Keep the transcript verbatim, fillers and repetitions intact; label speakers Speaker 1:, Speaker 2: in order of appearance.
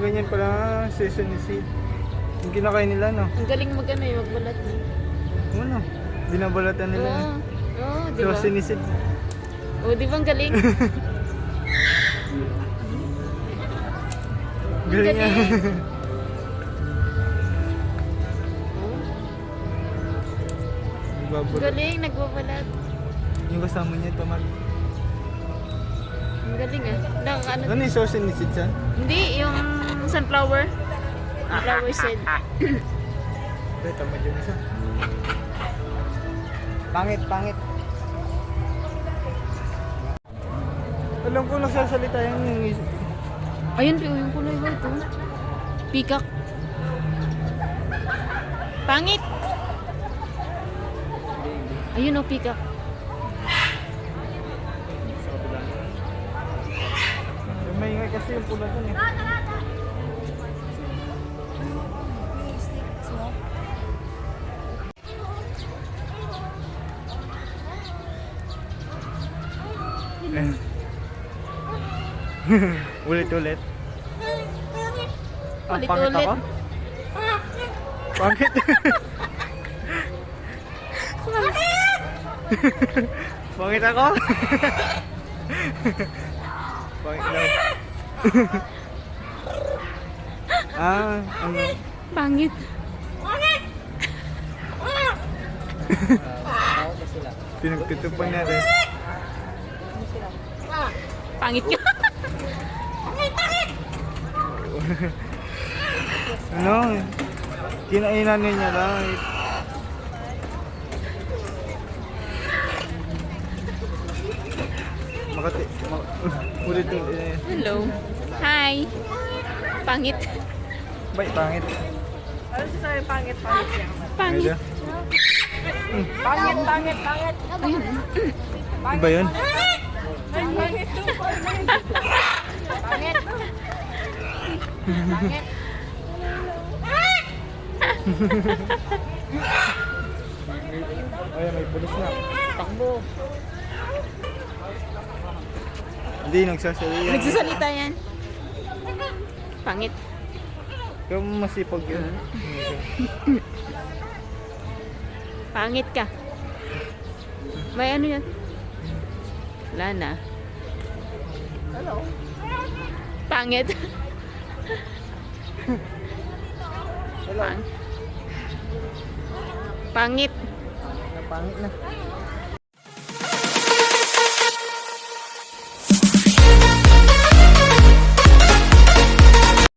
Speaker 1: ganyan pala, sesame seed. Yung kinakain nila, no?
Speaker 2: Ang galing mag ano eh, magbalat eh.
Speaker 1: Ano? Binabalatan nila.
Speaker 2: Oo, oo, di ba?
Speaker 1: Sesame seed.
Speaker 2: Oo, di ba ang galing?
Speaker 1: Galing nga.
Speaker 2: Ang
Speaker 1: Nagbabalot.
Speaker 2: galing, nagbabalat.
Speaker 1: Yung kasama niya, tamad.
Speaker 2: Ang galing ah. Naka, ano,
Speaker 1: Ano yung sesame seed yan?
Speaker 2: hindi, yung sunflower. Sunflower seed.
Speaker 1: Hindi, tamad yung isa. Pangit, pangit. Alam ko nagsasalita yan yung isa.
Speaker 2: Ayun, Pio, yung kulay white oh. Peacock. Pangit! Ayun oh, peacock.
Speaker 1: May ingay kasi yung pula dun eh. Ulit-ulit. Ah, pangit
Speaker 2: Ulit-ulit.
Speaker 1: ako? Pangit? Pangit ako? Pangit daw. Ah, ano?
Speaker 2: Pangit.
Speaker 1: Pinagtutupan niya rin.
Speaker 2: Pangit ka.
Speaker 1: Ano? Kinainan niya lang. Makati... Mak ulit ulit. Eh.
Speaker 2: Hello. Hi. Pangit.
Speaker 1: Bay, pangit.
Speaker 3: Ano sasabi pangit, pangit siya?
Speaker 2: Pangit.
Speaker 1: Medyo.
Speaker 3: Pangit, pangit, pangit.
Speaker 2: Ayun.
Speaker 1: Iba yun?
Speaker 3: Ay, pangit to, pangit. Pangit. Pangit.
Speaker 1: Ay, may pulis na. Takbo. Hindi, nagsasalita.
Speaker 2: Nagsasalita yan. Pangit.
Speaker 1: Ikaw masipag yun.
Speaker 2: Pangit ka. May ano yan? Wala na.
Speaker 3: Hello.
Speaker 2: Pangit.
Speaker 1: Hello.
Speaker 2: Pang- Pangit.
Speaker 1: Napangit na.